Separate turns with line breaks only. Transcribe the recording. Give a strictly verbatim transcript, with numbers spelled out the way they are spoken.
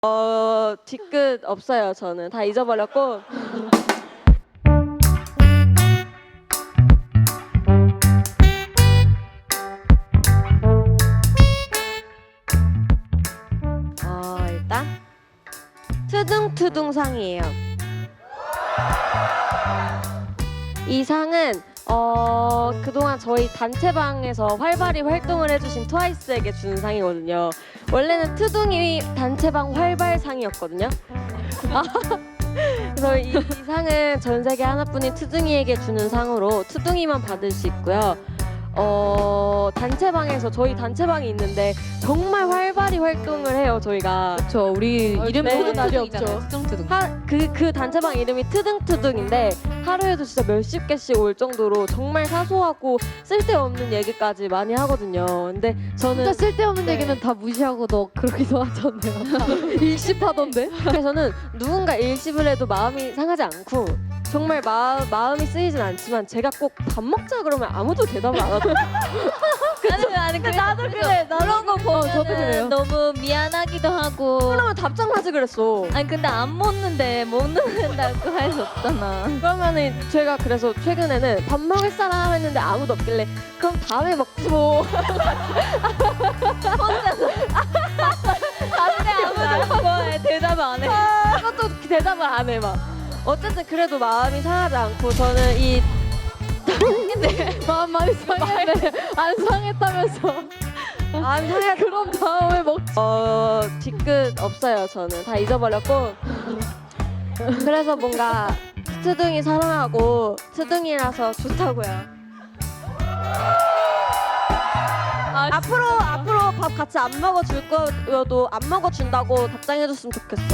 어, 뒤끝 없어요. 저는 다 잊어버렸고. 어, 일단 투둥투둥상이에요. 이 상은 어, 그동안 저희 단체방에서 활발히 활동을 해주신 트와이스에게 주는 상이거든요. 원래는 투둥이 단체방 활발상이었거든요. 그래서 이, 이 상은 전 세계 하나뿐인 투둥이에게 주는 상으로 투둥이만 받을 수 있고요. 어, 단체방에서 저희 단체방이 있는데 정말 활발히 활동을 해요. 저희가.
저 우리
어,
이름
네,
투둥투둥이잖아요.
맞죠.
투둥투둥.
그, 그 단체방 이름이 트등트등인데 하루에도 진짜 몇십 개씩 올 정도로 정말 사소하고 쓸데없는 얘기까지 많이 하거든요. 근데 저는
진짜 쓸데없는
네.
얘기는 다 무시하고 너 그러기도 하잖아요. 다 일십하던데?
그래서는 누군가 일십을 해도 마음이 상하지 않고 정말 마, 마음이 쓰이진 않지만 제가 꼭 밥 먹자 그러면 아무도 대답을 안 하더라고요.
아니 아니 그래,
나도 그래. 나도
그런 거 보면
저도 그래요.
너무 미안하기도 하고.
그러면 답장하지 그랬어.
아니 근데 안 먹는데 못 먹는다고 할 수 없잖아.
그러면은 제가 그래서 최근에는 밥 먹을 사람 했는데 아무도 없길래 그럼 다음에 먹지 뭐.
다음에 아무도 그거에 대답을 안 해.
그것도 대답을 안 해 막. 어쨌든 그래도 마음이 상하지 않고 저는 이
마음 많이 상했네. 안 상했다면서.
마음이 상하지
그럼 다음에 먹.
어 뒤끝 없어요. 저는 다 잊어버렸고 그래서 뭔가 트둥이 사랑하고 트둥이라서 좋다고요.
아,
앞으로 앞으로 밥 같이 안 먹어줄 거여도 안 먹어준다고 답장해줬으면 좋겠어.